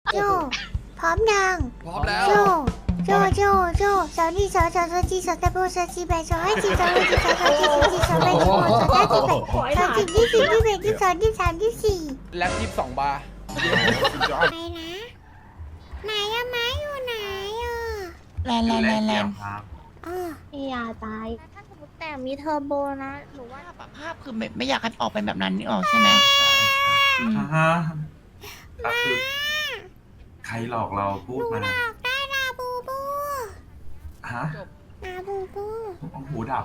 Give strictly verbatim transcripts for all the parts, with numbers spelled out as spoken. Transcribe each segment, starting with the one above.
โจพร้อมยังพร้อมแล้วโจโจโจโจสาวนี่สาวสาวสาวจีสาวตะโบสาวจีแบสาวให้จีสาวให้จีสาวสาวจีสาวจีสาวแบสาวสาวจีแบสาวจีที่สี่ที่แบที่สองที่สามที่สี่แล็บยี่สิบสองบาร์ไปนะไหนอะไม้อยู่ไหนอะแลนแลนแลนแลนอ๋อพี่ยาตาย ถ้าสมมติแต่มีเทอร์โบนะ หนูว่าภาพอะภาพคือไม่ไม่อยากให้ออกเป็นแบบนั้นนี่ออกใช่ไหมอืมอ่าฮะก็คือใครหลอกเราพูดมาหลอกได้ลาบูบูฮะลาบูบูหูดับ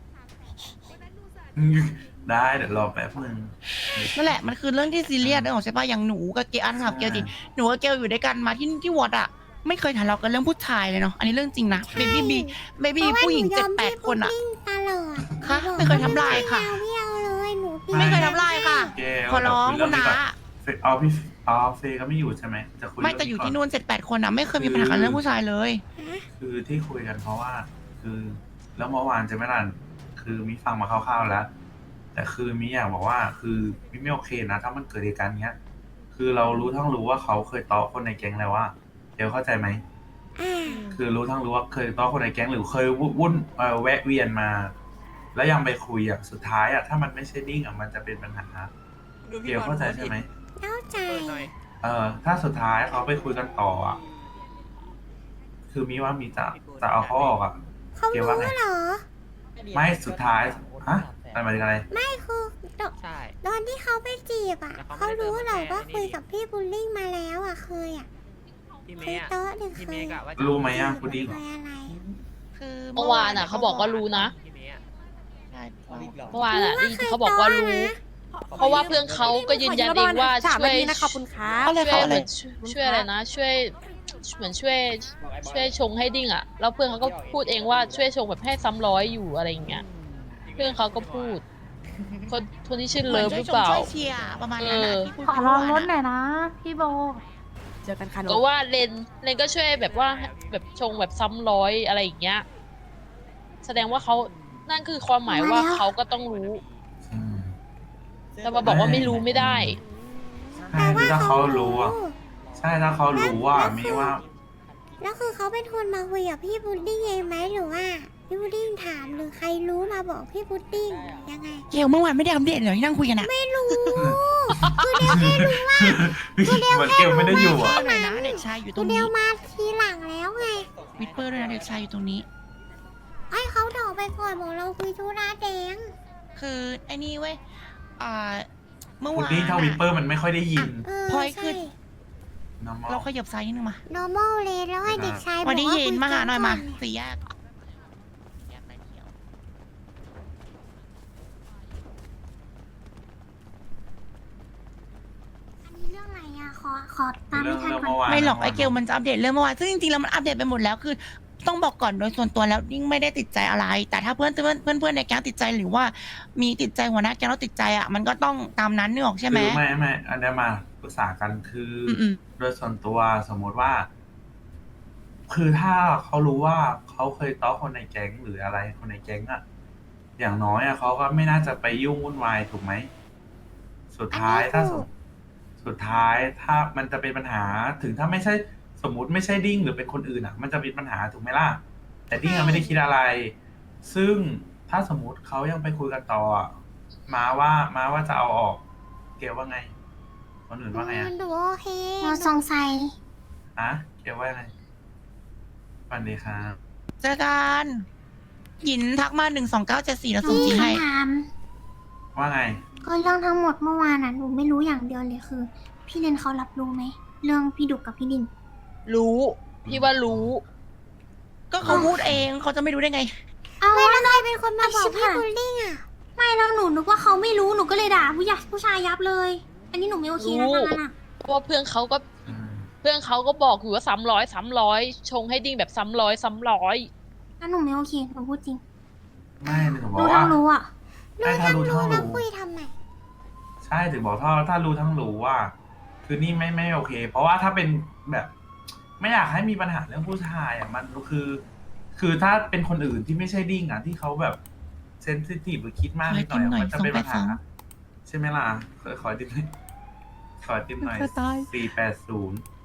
ได้เดี๋ยวรอแป๊บนึงนั่นแหละมันคือเรื่องที่ซีเรียสนึกออกใช่ป่ะอย่างหนูกับเกลอันถามเกลดิหนูกับเกลอยู่ด้วยกันมาที่ที่วอดอะไม่เคยทะเลาะกันเรื่องผู้ชายเลยเนาะอันนี้เรื่องจริงนะเบบี้บีเบบี้ผู้หญิงเจ็ดแปดคนอะตลอดค่ะไม่เคยทำลายค่ะไม่เอาเลยหนูไม่เคยทำลายค่ะเกลขอร้องคุณน้าเฟเอาพี่เอาเฟยก็ไม่อยู่ใช่ไหมจะคุยไม่แต่อยู่ที่นู่นเจ็ดแปดคนอะไม่เคยมีปัญหากันเรื่องผู้ชายเลยคือที่คุยกันเพราะว่า คือ แล้วเมื่อวานจะไม่รันคือมิฟังมาคร่าวๆแล้ว แต่คือมิอยากบอกว่า คือมิไม่โอเคนะถ้ามันเกิดเหตุการณ์เนี้ย คือเรารู้ทั้งรู้ว่าเขาเคยต้อคนในแก๊งแล้วว่าเดี๋ยวเข้าใจไหมอ่าคือรู้ทั้งรู้ว่าเคยต้อคนในแก๊งหรือเคยวุ่นเอ่อแวะเวียนมา แล้วยังไปคุยอ่ะสุดท้ายอ่ะถ้ามันไม่ใช่ดิ้งอ่ะมันจะเป็นปัญหาเกี่ยวเข้าใจใช่ไหมเข้าใจเออถ้าสุดท้ายเขาไปคุยกันต่ออ่ะคือมีว่ามีจะจะเอาเขาออกอ่ะเขาเกี่ยวรู้ว่าไงเหรอไม่สุดท้ายฮะอะไรหมายถึงอะไรไม่คือตอนใช่ตอนที่เขาไปจีบอ่ะแต่เขาเขาไม่ได้รู้เหรอเดินมาว่าแต่คุยนี่กับพี่บุลลิ่งมาแล้วอ่ะเคยอ่ะพี่เคเมยย์อะโต๊ะหนึ่งเคพี่เมยย์กะว่าจะรู้ไหมอ่ะพุดดิ้งเคยอะไรคือเมื่อวานอ่ะเขาบอกว่ารู้นะพี่เมย์อะใช่เมื่อวานอ่ะรู้ว่าที่เคยเขาบอกว่ารู้ต้อนนะเพราะว่าเพื่อนเขาก็ยืนยันเองว่าช่วยนะขอบคุณครับเอาเลยช่ค่ะวยเอาเหเลมือย นช่วยอะไรนะ ช่วยเหมือนช่วยช่วยชงให้ดิ้งอ่ะแล้วเพื่อนเขาก็พูดเองว่าช่วยชงแบบให้ซ้ำร้อยอยู่อะไรอย่างเงี้ยเพื่อนเขาก็พูด คนคนที่ชื่อเลิฟหรือเปล่าช่วยเชียร์ประมาณนั้นนะที่พูดขอลองรถหน่อยนะ พี่โบ เจอกันค่ะก็ว่าเลนเลนก็ช่วยแบบว่าแบบชงแบบซ้ำร้อยอะไรอย่างเงี้ยแสดงว่าเขานั่นคือความหมายว่าเขาก็ต้องรู้อืมแต่มาบอกว่าไม่รู้ไม่ได้ใช่คือถ้าเขารู้อ่ะใช่ถ้าเขารู้ว่ามีว่าแล้วคือเขาเป็นคนมาคุยกับพี่พุดดิ้งเองไหมหรือว่าพี่พุดดิ้งถามหรือใครรู้มาบอกพี่พุดดิ้งยังไงเกลเมื่อวานไม่ได้อัปเดตเลยที่นั่งคุยกันอะไม่รู้ คือเดียวแค่รู้ว่าเหมือนเกลไม่ได้อยู่อ่ะเปอร์หน่อยนะเด็กชายอยู่ตคืรอง เดีนี้ยวมาทีหลังแล้วไงวิดเปอร์ด้วยนะเด็กชายอยู่ตรงนี้ไอ้เขาดอกไปก่อนบอกเราคุยธุระแดงคือไอ้นี่เว้ยอ่าเมื่อพุดวานดิ้งถ้าวิปเปออะร์มันไม่ค่อยได้ยินเออพลอยใช่ขึ้นน้ำมอเราขยับซ้ายนิดนึงมา normal เลยแล้วให้เด็กชายบอกวันนี้ว่าเย็นคุมาหาหน่อยมาก่สี่แยกแยกไปเที่ยวอันนี้เรื่องอะไรอะขอขอตามเรื่ไม่องทันเรื่องก่อนเมื่อวานไม่หรอกไอเกลมันจะอัปเดตเรื่องเมื่อวานซึ่งจริงๆแล้วมันอัปเดตไปหมดแล้วคือ ต้องบอกก่อนโดยส่วนตัวแล้วยิ่งไม่ได้ติดใจอะไร แต่ถ้าเพื่อนเพื่อนเพื่อนเพื่อนในแก๊งติดใจหรือว่ามีติดใจหัวหน้าแก๊งแล้วติดใจอ่ะมันก็ต้องตามนั้นนึกออกใช่ไหมคือไม่ไม่อันเนี้ยมาปรึกษากันคือออืมโดยส่วนตัวสมมุติว่า คือถ้าเขารู้ว่าเขาเคยต้อคนในแก๊งหรืออะไรคนในแก๊งอะอย่างน้อยอะเขาก็ไม่น่าจะไปยุ่งวุ่นวายถูกไหมสุดท้ายถ้าสมสุดท้ายถ้ามันจะเป็นปัญหาถึงถ้าไม่ใช่สมมุติไม่ใช่ดิ้งหรือเป็นคนอื่นอะมันจะเป็นปัญหาถูกไหมล่ะแต่ดิ้งอะไม่ได้คิดอะไร ซึ่งถ้าสมมุติเขายังไปคุยกันต่ออะมาว่ามาว่าจะเอาออก เกลว่าไง คนอื่นว่าไงอะดูโอเคเราสงสัยอะเกลว่าไงสวัสดีครับเจอกันหยินทักมาหนึ่งสองเก้าเจ็ดสี่แล้วส่งจีให้คำถามว่าไงก็เรื่องทั้งหมดเมื่อวานน่ะหนูไม่รู้อย่างเดียวเลยคือ พี่เลนเขารับรู้ไหมเรื่องพี่ดุกกับพี่ดินรู้ พี่ว่ารู้ก็เขาพูดเองเขาจะไม่รู้ได้ไงเอาไม่แล้วใครเป็นคนมาบอกพี่บุลลิ่งอ่ะไม่แล้วหนูนึกว่าเขาไม่รู้ หนูก็เลยด่าผู้ใหญ่ผู้ชายยับเลย อันนี้หนูไม่โอเคนะรู้ทางนั้นอ่ะเพราะว่าเพื่อนเขาก็อืมเพื่อนเขาก็บอกอยู่ว่าซ้ำร้อยซ้ำร้อยชงให้ดิ้งแบบซ้ำร้อยซ้ำร้อยงั้นหนูไม่โอเค หนูพูดจริงไม่ถึงบอรู้กทั้ว่างรู้อ่ะใช่ถ้ารู้ทั้งแล้วรู้คุยทำไมใช่ถึงบอกถ้าถ้ารู้ทั้งรู้ว่า คือนี่ไม่ไม่โอเค เพราะว่าถ้าเป็นแบบ ไม่อยากให้มีปัญหาเรื่องผู้ชายอ่ะมันคือ คือถ้าเป็นคนอื่นที่ไม่ใช่ดิ้งอ่ะที่เขาแบบเซนซิทีฟหรือคิดมากนิดหน่อยอะมันจะเป็นปัญหา ใช่ไหมล่ะขอขอติมหน่อยขอติมหน่อยจะตายสี่แปดศูนย์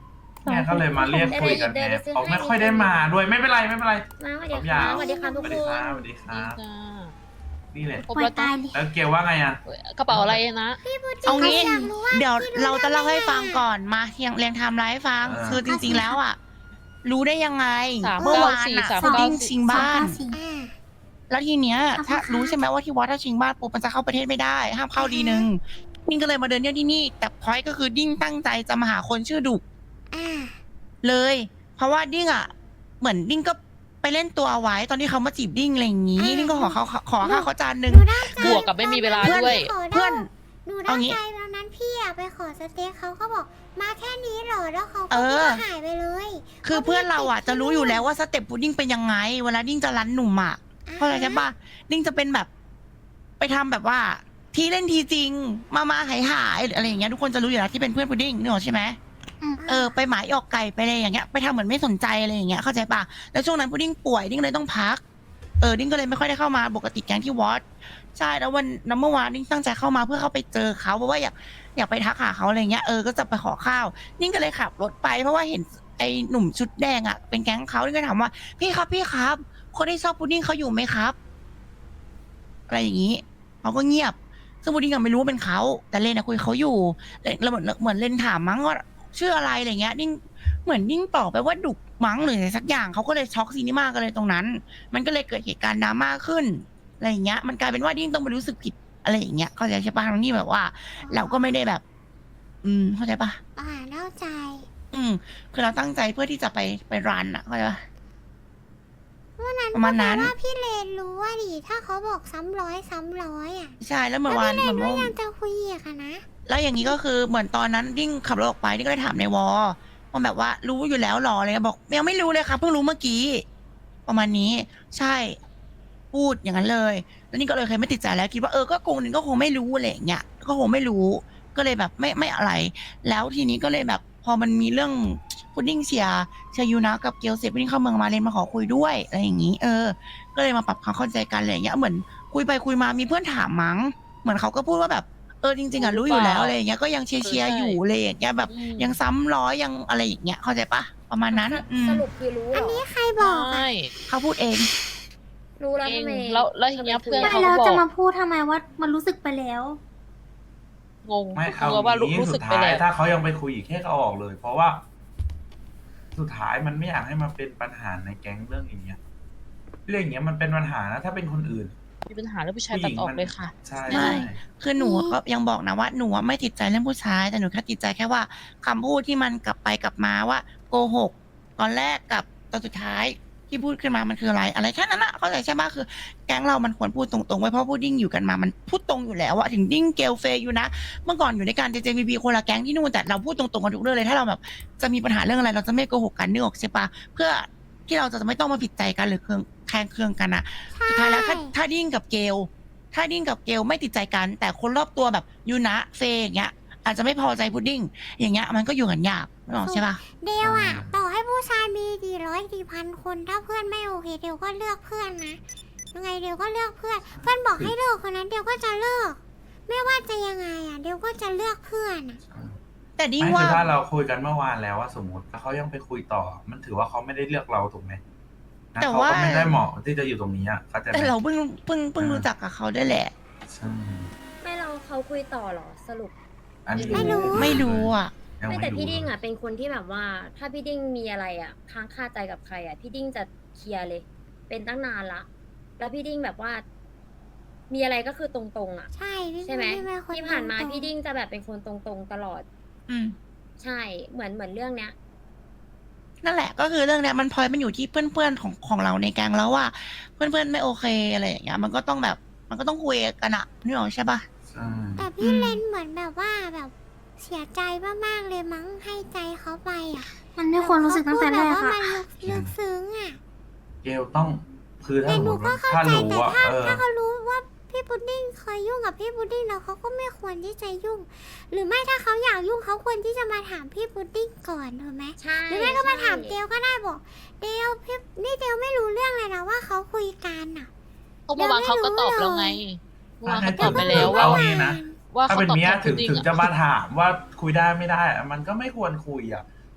เนี่ยก็เลยมาเรียกคุยกันไงเขาไม่ค่อยได้มาด้วยไม่เป็นไรไม่เป็นไรมาสวัสดีผมคยารับวสวัสดีครับสทุกวัสคดีนครับสวัสดีคดีรับจ้านี่แหละครบปล่อแล้ยวจ้ะตายเลยแล้วเกลว่าไงอ่ะกระเป๋าอะไรนะเอางี้อยากรู้ว่าเดี๋ยวพี่เราจะเล่าให้ได้ไงฟังก่อนมาเรียงเรียงไทม์ไลน์ให้ฟังเออคือจริงๆแล้วอ่ะ รู้ได้ยังไงสามเมื่อเก้าวานสี่อ่ะสามพุดเก้าดิ้งสี่ชิงบ้านสองเก้าสี่อ่าแล้วทีเนี้ยขอบคุณถ้าค่ะรู้ใช่ไหมว่าที่วัดถ้าชิงบ้านปุ๊บมันจะเข้าประเทศไม่ได้ ห้ามเข้าดีนึงดิ้งก็เลยมาเดินเที่ยวที่นี่ แต่พอยก็คือดิ้งตั้งใจจะมาหาคนชื่อดุกอ่าเลย เพราะว่าดิ้งอ่ะ เหมือนดิ้งก็ไปเล่นตัวเอาไว้ตอนที่เขามาจีบดิ้งอะไรอย่างงี้ ดิ้งก็ขอเขาขอข้าวเขาจานหนึ่งหนูได้ใจบวกกับไม่มีเวลาเพื่อนด้วยเพื่อนหนูได้เอางี้ใจตอนนั้นพี่อะไปขอสเต็กเขาก็บอกมาแค่นี้เหรอแล้วเขาเอก็อหายไปเลยคือเพื่อนเราอ่ะจะรู้อยู่แล้วว่าสเต็ปพุดดิ้งเป็นยังไง เวลาดิ้งจะรันหนุ่มอ่ะ เข้าใจใช่ปะดิ้งจะเป็นแบบ ไปทำแบบว่า ทีเล่นทีจริง มามาหายหายหรืออะไรอย่างเงี้ยทุกคนจะรู้อยู่แล้วที่เป็นเพื่อนพุดดิ้งนึกออกใช่ไหมอืมเออไปหมายออกไก่ไปอะไรอย่างเงี้ยไปทำเหมือนไม่สนใจอะไรอย่างเงี้ยเข้าใจปะแล้วช่วงนั้นพุดดิ้งป่วยดิ้งเลยต้องพักเออดิ้งก็เลยไม่ค่อยได้เข้ามาปกติแก๊งที่วอตใช่แล้ววันนั้นเมื่อวานดิ้งตั้งใจเข้ามาเพื่อเข้าไปเจอเขาเพราะว่าอยากอยากไปทักหาเขาอะไรเงี้ยเออก็จะไปขอข้าวดิ้งก็เลยขับรถไปเพราะว่าเห็นไอ้หนุ่มชุดแดงอ่ะเป็นแก๊งเขาดิ้งก็ถามว่าพี่ครับพี่ครับคนที่ชอบพุดดิ้งเขาอยู่ไหมครับ อะไรอย่างนี้เขาก็เงียบ ซึ่งพุดดิ้งก็ไม่รู้ว่าเป็นเขาแต่เลนอะคุยเขาอยู่แล้วเหมือนเหมือนเลนถามมั้งว่าชื่ออะไรอะไรเงี้ยดิ้งเหมือนดิ้งตอบไปว่าดุกมั้งหรืออะไรสักอย่างเขาก็เลยช็อกซีนิมากันเลยตรงนั้น มันก็เลยเกิดเหตุการณ์ดราม่าขึ้นอะไรอย่างเงี้ย มันกลายเป็นว่าดิ้งต้องไปรู้สึกผิดอะไรอย่างเงี้ยเข้าใจใช่ปะทั้งที่แบบว่า เราก็ไม่ได้แบบ อืมเข้าใจปะอ่าเข้าใจอืม คือเราตั้งใจเพื่อที่จะไปไปรันอะเข้าใจปะวันนั้นประมาณนั้นก็แปลว่าพี่เลนรู้ว่าดิถ้าเขาบอกซ้ำร้อยซ้ำร้อยอ่ะใช่แล้วเมื่อวานพี่เลเหมือน นก็ว่ายังจะคุยอีกอะนะแล้วอย่างนี้ก็คือเหมือนตอนนั้นดิ้งขับรถออกไปดิ้งก็เลยถามในวอว่าแบบว่ารู้อยู่แล้วหรออะไรเงี้ยบอกยังไม่รู้เลยครับเพิ่งรู้เมื่อกี้ ประมาณนี้ ใช่ พูดอย่างนั้นเลย แล้วนี่ก็เลยเคยไม่ติดใจแล้วคิดว่าเออก็คงนึงก็คงไม่รู้อะไรอย่างเงี้ยก็คงไม่รู้ ก็เลยแบบไม่ไม่อะไร แล้วทีนี้ก็เลยแบบพอมันมีเรื่องพุดดิ้งเชียร์เชียร์ยูนะกับเกลเซพุดดิ้งเข้าเมืองมาเลนมาขอคุยด้วยอะไรอย่างนี้ เออ ก็เลยมาปรับความเข้าใจกันอะไรอย่างเงี้ยเหมือนคุยไปคุยมามีเพื่อนถามมั้งเหมือนเขาก็พูดว่าแบบเออจริงๆอ่ะรู้อยู่แล้วอะไรอย่างเงี้ยก็ยังเชียร์เชียร์อยู่อะไรอย่างเงี้ยแบบอืมยังซ้ำร้อยยังอะไรอย่างเงี้ยเข้าใจปะประมาณนั้นอืมสรุปคือรู้เหรอันอนี้ใครบอกใช่อะเขาพูดเองรู้แล้วเองทำไมแล้วแล้วทีเนี้ยเพื่อนไม่เขาแล้วบอกจะมาพูดทำไมว่ามันรู้สึกไปแล้วงงไม่เอากลัวว่ารู้งี้รู้สุสึดกไปท้ายแล้วถ้าเขายังไปคุยอีกแค่เขาออกเลย เพราะว่า สุดท้ายมันไม่อยากให้มันเป็นปัญหาในแก๊งเรื่องอย่างเงี้ยเรื่องอย่างเงี้ยมันเป็นปัญหานะถ้าเป็นคนอื่นมีปัญหาเรื่องผู้ชายตัดออกเลยค่ะใช่ไม่ใช่คือหนูก็ยังบอกนะว่าหนูอะไม่ติดใจเรื่องผู้ชาย แต่หนูแค่ติดใจแค่ว่าคำพูดที่มันกลับไปกลับมาว่าโกหกตอนแรกกับตอนสุดท้ายที่พูดขึ้นมามันคืออะไร อะไรแค่นั้นอะเข้าใจใช่ไหมคือแก๊งเรามันควรพูดตรงๆไว้เพราะพูดดิ้งอยู่กันมามันพูดตรงอยู่แล้วอะถึงดิ้งเกลเฟยอยู่นะเมื่อก่อนอยู่ในการเจเจบีบีคนละแก๊งที่นู่นแต่เราพูดตรงๆกันทุกเรื่องเลยถ้าเราแบบจะมีปัญหาเรื่องอะไร เราจะไม่โกหกกันนึกออกใช่ปะเพื่อที่เราจะไม่ต้องมาผิดใจกันหรือเคืองแคลงเคืองกันอะ สุดท้ายแล้วถ้าถ้าดิ้งกับเกลถ้าดิ้งกับเกลไม่ติดใจกัน แต่คนรอบตัวแบบยูนะเฟยอย่างเงี้ย อาจจะไม่พอใจพุดดิ้งอย่างเงี้ยมันก็อยู่กันยากไม่บอกใช่ปะเดียวอ่ะ ต่อให้ผู้ชายมีกี่ร้อยกี่พันคนถ้าเพื่อนไม่โอเคเดียวก็เลือกเพื่อนนะยังไงเดียวก็เลือกเพื่อน เพื่อนบอกให้เลิกคนนั้นเดียวก็จะเลิกไม่ว่าจะยังไงอ่ะเดียวก็จะเลือกเพื่อนอ่ะแต่ดิ้งไม่ว่าคือถ้าเราคุยกันเมื่อวานแล้วว่าสมมติถ้าเขายังไปคุยต่อ มันถือว่าเขาไม่ได้เลือกเราถูกไหมนะแต่เขาว่าก็ไม่ได้เหมาะที่จะอยู่ตรงนี้อ่ะเข้าใจไหมแต่เราเพิ่งเพิ่งเพิ่งรู้จักกับเขาได้วยแหละใช่ไม่เราเขาคุยต่อเหรอสรุปอันนี้ไม่รู้ไม่รู้อ่ะยังไม่แต่พี่ดิ้งรู้อ่ะเป็นคนที่แบบว่า ถ้าพี่ดิ้งมีอะไรอ่ะค้างคาใจกับใครอ่ะพี่ดิ้งจะเคลียร์เลย เป็นตั้งนานละ แล้วพี่ดิ้งแบบว่า มีอะไรก็คือตรงๆอ่ะใช่พี่ใช่ไหมพี่เป็นคนที่ผ่านมาตรงๆพี่ดิ้งจะแบบเป็นคนตรงๆตลอดอืมใช่เหมือนเหมือนเรื่องเนี้ยนั่นแหละก็คือเรื่องเนี้ยมันพลอยมันอยู่ที่เพื่อนๆของของเราในแก๊งแล้วว่า เพื่อนๆไม่โอเคอะไรอย่างเงี้ยมันก็ต้องแบบ มันก็ต้องคุยกันอะนึกออกใช่ปะใช่แต่พี่เลนเหมือนแบบว่าแบบเสียใจมากๆเลยมั้งให้ใจเขาไปอ่ะมันไม่ควรรู้สึกตั้งแต่แรกเขาพูดแบบค่ะว่ามันลึกซึ้งอ่ะเกลต้องคือถ้าแต่สมหมนูติก็ว่าเข้าถ้าใจรู้แต่ว่าถ้าเออถ้าเขารู้ว่าพี่พุดดิ้งเคยยุ่งกับพี่พุดดิ้งแล้วเขาก็ไม่ควรที่จะยุ่ง หรือไม่ถ้าเขาอยากยุ่งเขาควรที่จะมาถามพี่พุดดิ้งก่อนถูกไหมใช่หรือไม่ก็มาถามใช่เดลก็ได้บอกเดลพี่นี่เดลไม่รู้เรื่องเลยนะว่าเขาคุยกันอ่ะก็เมื่อวานเขาก็ตอบแล้วไงเมื่อวานเขาตอบไปเดี๋แล้ยว วว่าเอางี้นะว่าถ้าเขาเป็นตอบเมียแทนถึพุงดดิ้งถึงอะจะมาถามว่าคุยได้ไม่ได้อะมันก็ไม่ควรคุยอ่ะ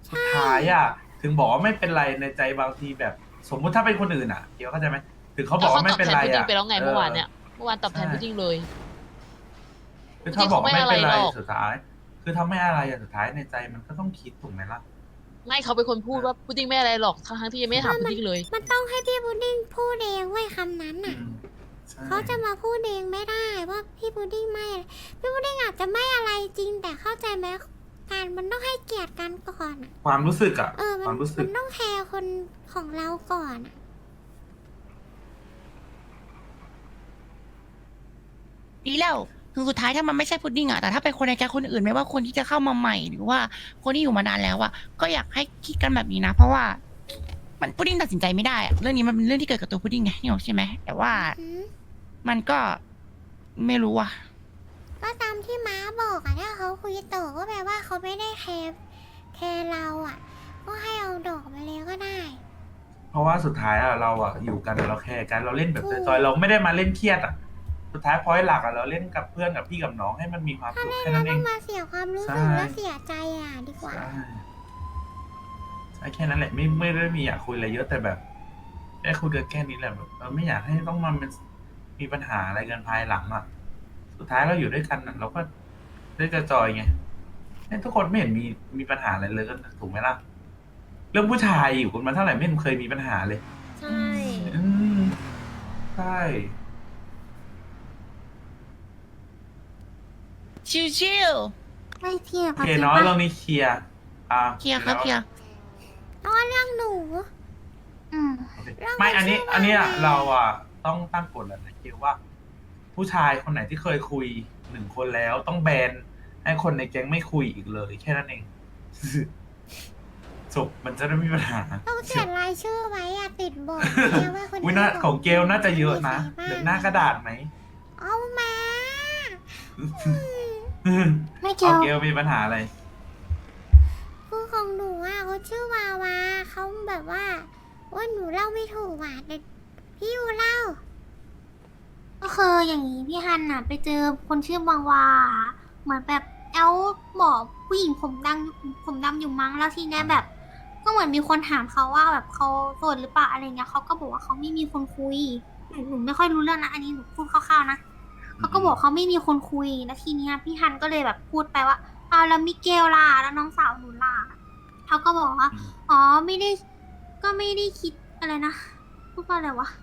สุดท้ายอ่ะ ถึงบอกว่าไม่เป็นไรในใจบางทีแบบ สมมุติถ้าเป็นคนอื่นอ่ะเดี๋ยวเข้าใจไหมถึงเขาบอกว่าไม่เป็นไรแล้วเขาตอบแทนพุดดิ้งอ่ะไปแล้วไงเมื่อวานเนี่ยเมื่อวานตอบแทนพุดดิ้งเลยคือถ้าบอกว่าไม่เป็นไรพุดดิ้งเขาไม่อะไรหรอกสุดท้าย คือถ้าไม่อะไรอ่ะสุดท้ายในใจมันก็ต้องคิดถูกไหมล่ะไม่เขาเป็นคนพูดว่าพุดดิ้งไม่อะไรหรอกทั้งๆที่ยังไม่ได้ถามพุดดิ้งเลยมันต้องให้พี่พุดดิ้งพูดเองเว้ยคำนั้นอืน่ะมใช่เขาจะมาพูดเองไม่ได้ว่าพี่พุดดิ้งไม่อะไรพี่พุดดิ้งอาจจะไม่อะไรจริงแต่เข้าใจไหมการมันต้องให้เกียรติกันก่อนอะความรู้สึกอ่ะเออความรู้สึมักนต้องแคร์คนของเราก่อนอะดีแล้วคือสุดท้ายถ้ามันไม่ใช่พุดดิ้งอะแต่ถ้าเป็นคนในแก๊งคนอื่นไม่ว่าคนที่จะเข้ามาใหม่หรือว่าคนที่อยู่มานานแล้วอะก็อยากให้คิดกันแบบนี้นะ เพราะว่า มันพุดดิ้งตัดสินใจไม่ได้อะเรื่องนี้มันเป็นเรื่องที่เกิดกับตัวพุดดิ้งไงนี่หรอกใช่ไหมแต่ว่าหืมมันก็ไม่รู้อะก็ตามที่ม้าบอกอะถ้าเขาคุยต่อก็แปลว่าเขาไม่ได้แคร์แคร์เราอะก็ให้เอาดอกมาเลยก็ได้เพราะว่าสุดท้ายอ่ะเราอ่ะอยู่กันเราแคร์กันเราเล่นแบบจอยๆเราไม่ได้มาเล่นเครียดอ่ะ สุดท้ายพอยหลักอ่ะเราเล่นกับเพื่อนกับพี่กับน้องให้มันมีความถ้าสุขเล่นแค่แล้นั้วนเอต้อง งมาเสียความรู้สึกใช่และเสียใจอะดีกว่าใช่ใช่แค่นั้นแหละไม่ไม่ได้มีอยากคุยอะไรเยอะแต่แบบแค่คุยกันแค่นี้แหละแบบเราไม่อยากให้ต้องมาเป็นมีปัญหาอะไรกันภายหลังอ่ะ สุดท้ายเราอยู่ด้วยกันอะเราก็ได้จะจอยไงเนี่ยทุกคนไม่เห็นมีมีปัญหาอะไรเลยก็ถูกไหมล่ะเรื่องผู้ชายอยู่กันมาเท่าไหร่ไม่เห็นเคยมีปัญหาเลยใช่อืมใช่ชิวไม่เทียบโอเคเนาะเรื่องนี้เคลียร์อ่าๆเคลียร์ครับเคลียร์เอาเรื่องหนูอืมโอเคเรื่องไม่อันนี้มันชื่อว่าอันเนี้ยอะไรเราอ่ะต้องตั้งกฎแล้วนะเกี่ยวว่า ผู้ชายคนไหนที่เคยคุยหนึ่งคนแล้วต้องแบนให้คนในแก๊งไม่คุยอีกเลย แค่นั้นเอง จบมันจะได้ไม่มีปัญหาต้องเขียนรายชื่อไว้อะติดบอร์ดเนี่ยว่าคนวินี้นาบของเกลน่าจะเยอะนะมีใครบ้างเหลือหน้ากระดาษไหมเอามาไม่เกี่เอายวเกลมีปัญหาอะไรคือของหนูอ่ะเขาชื่อวาวาเขาแบบว่าว่าหนูเล่าไม่ถูกอ่ะแต่พี่ยูเล่าก็คืออย่างนี้พี่ฮันน่ะ ไปเจอคนชื่อบางวา เหมือนแบบแอลบอกผู้หญิงผมดำผมดำอยู่มั้งแล้วทีเนี้ยแบบ ก็เหมือนมีคนถามเขาว่าแบบเขาโสดหรือเปล่าอะไรเงี้ยเขาก็บอกว่าเขาไม่มีคนคุยหนูหนูไม่ค่อยรู้เรื่องนะอันนี้หนูพูดคร่าวๆนะเขาก็บอกเขาไม่มีคนคุยแล้วทีเนี้ยพี่ฮันก็เลยแบบพูดไปว่าเอาแล้วมิเกลล่ะแล้วน้องสาวหนูล่ะเขาก็บอกว่าอ๋อไม่ได้ ก็ไม่ได้คิดอะไรนะพูดว่าอะไรวะ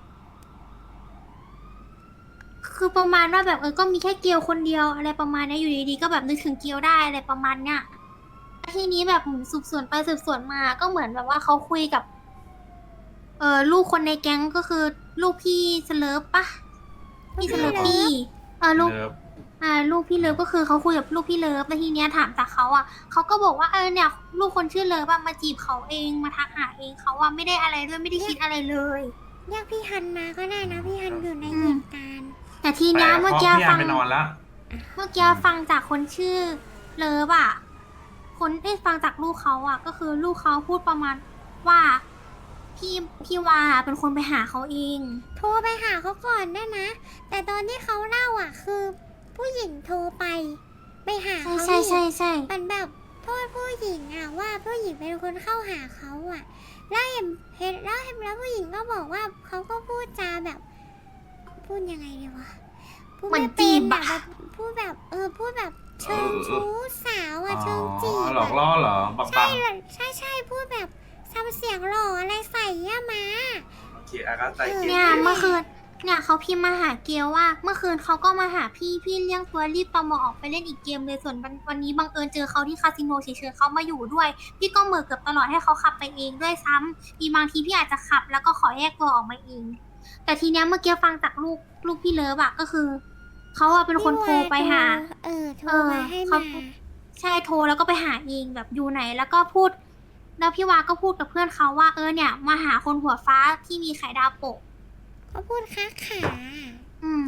คือประมาณว่าแบบเออ ก็มีแค่เกียวคนเดียวอะไรประมาณเนี้ยอยู่ดีๆก็แบบนึกถึงเกียวได้อะไรประมาณเนี้ยทีนี้แบบเหมือนสืบสวนไปสืบสวนมา ก็เหมือนแบบว่าเขาคุยกับ เออลูกคนในแก๊งก็คือ ลูกพี่สเลิฟปะพี่สเลิฟปี้เออลูกเลิฟอ่าลูกพี่เลิฟก็คือเขาคุยกับลูกพี่เลิฟแล้วทีเนี้ยถามจากเขาอ่ะเขาก็บอกว่าเออเนี่ยลูกคนชื่อเลิฟอะมาจีบเขาเองมาทักหาเองเขาว่าไม่ได้อะไรด้วยไม่ได้คิดอะไรเลยเรียกพี่ฮันมาก็ได้นะพี่ฮันอยู่ในเหตุการณ์แต่ทีเนี้ยเมื่อกี้พี่ฟัอันงไปนอนแล้วเมื่อกี้ฟังจากคนชื่อเลิฟอะคนได้ยฟังจากลูกเขาอะก็คือลูกเขาพูดประมาณว่าพี่พี่วาเป็นคนไปหาเขาเองโทรไปหาเขาก่อนได้นะ แต่ตอนที่เขาเล่าอ่ะ คือ ผู้หญิงโทรไป ไปหาใช่เขาใช่ใช่อีกใช่มันแบบโทษผู้หญิงอ่ะว่าผู้หญิงเป็นคนเข้าหาเขาอ่ะ แล้วเห็นเห็นแล้วเห็นแล้วผู้หญิงก็บอกว่าเขาก็พูดจาแบบ พูดยังไงดีวะพูดเหมือนไป็จีบอะอะแบบพูดแบบเออพูดแบบเชิงชู้สาวอ่ะเชิงจีอ๋อบ หลอกอะล่อเหรอ บังบัใช่งเลยใช่ใช่พูดแบบทำเสียงหล่ออะไรใส่ย่ามาโอเคอาก็ใจเกลเนี่ยเมื่อคืนเนี่ยเขาพิมพ์มาหาเกียวว่า เมื่อคืนเขาก็มาหาพี่พี่เลี้ยงตัวรีบตอมอออกไปเล่นอีกเกมเลยส่วนวันวันนี้บังเอิญเจอเขาที่คาสิโนเฉยๆเขามาอยู่ด้วย พี่ก็เหมือเกือบตลอดให้เขาขับไปเองด้วยซ้ำมีบางทีพี่อาจจะขับแล้วก็ขอแยกตัวออกมาเอง แต่ทีเนี้ยเมื่อกี้ฟังจากลูกลูกพี่เลิฟอะก็คือเขาอะเป็นคนโทรไปหาเออโทรเออมาให้เขามาใช่โทรแล้วก็ไปหาเองแบบอยู่ไหนแล้วก็พูด แล้วพี่วาก็พูดกับเพื่อนเขาว่าเออเนี่ยมาหาคนหัวฟ้าที่มีไข่ดาวโปะเขาพูดค้าขาอืม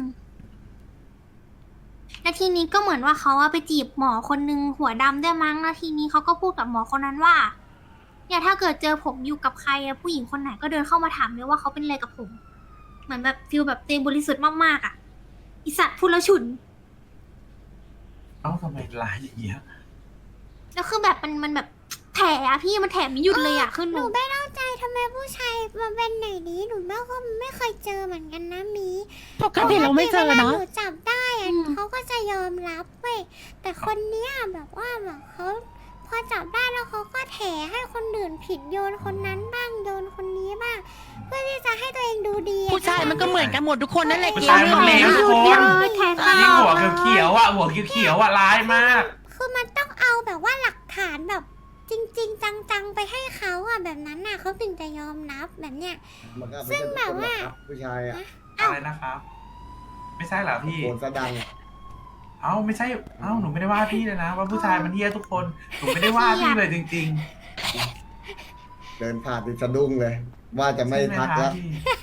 แล้วทีนี้ก็เหมือนว่าเขาอะไปจีบหมอคนนึงหัวดำด้วยมั้งแล้วทีนี้เขาก็พูดกับหมอคนนั้นว่าเนี่ยถ้าเกิดเจอผมอยู่กับใครอะผู้หญิงคนไหนก็เดินเข้ามาถามเลยว่าเขาเป็นอะไรกับผม เหมือนแบบฟิลแบบเต็มบริสุทธิ์มากๆอะอิสัตว์พูดแล้วฉุนเอ้าทำไมร้ายอย่างเงี้ยแล้วคือแบบมันมันแบบแถอะพี่มันแถไม่หยุดเลยอะขึ้นหหนูนูไม่เข้าใจทำไมผู้ชายมาเป็นไหนนี้หนูไม่ก็ไม่เคยเจอเหมือนกันนะมีปกติเราไม่เจอวลาเนาะหนูจับได้อะอืมเขาก็จะยอมรับเว้ยแต่คนเนี้ยแบบว่าแบบเขาพอจับได้แล้วเขาก็แถให้คนอื่นผิดโยนคนนั้นบ้างโยนคนนี้บ้างเพื่อที่จะให้ตัวเองดูดีอะผู้ชายมันก็เหมือนกันหมดทุกคนนั่นแหละผู้เกี่ยวชายมันเลวเรื่ทุอก งคนี้นเลยแถตลยิ่งอหัวดเขียวๆอ่ะหัวเขียวๆอ่ะร้ายมากคือมันต้องเอาแบบว่าหลักฐานแบบจริง ๆ จังๆไปให้เขาอะแบบนั้นน่ะเขาถึงจะยอมรับแบบเนี้ยมันก็ซึ่ไม่งใช่แบบคนหรอกว่าครับผู้ชายอะอะไรนะครับ ไม่ใช่เหรอพี่โกนสะดังเอ้าไม่ใช่ เอ้าหนูไม่ได้ว่าพี่เลยนะ ว่าผู้ชายมันเฮี้ยทุกคน หนูไม่ได้ว่าพี่เลยจริงเดินผ่านติดสะดุ้งเลย ว่าจะๆไม่ใช่หทักคะแล้วพี่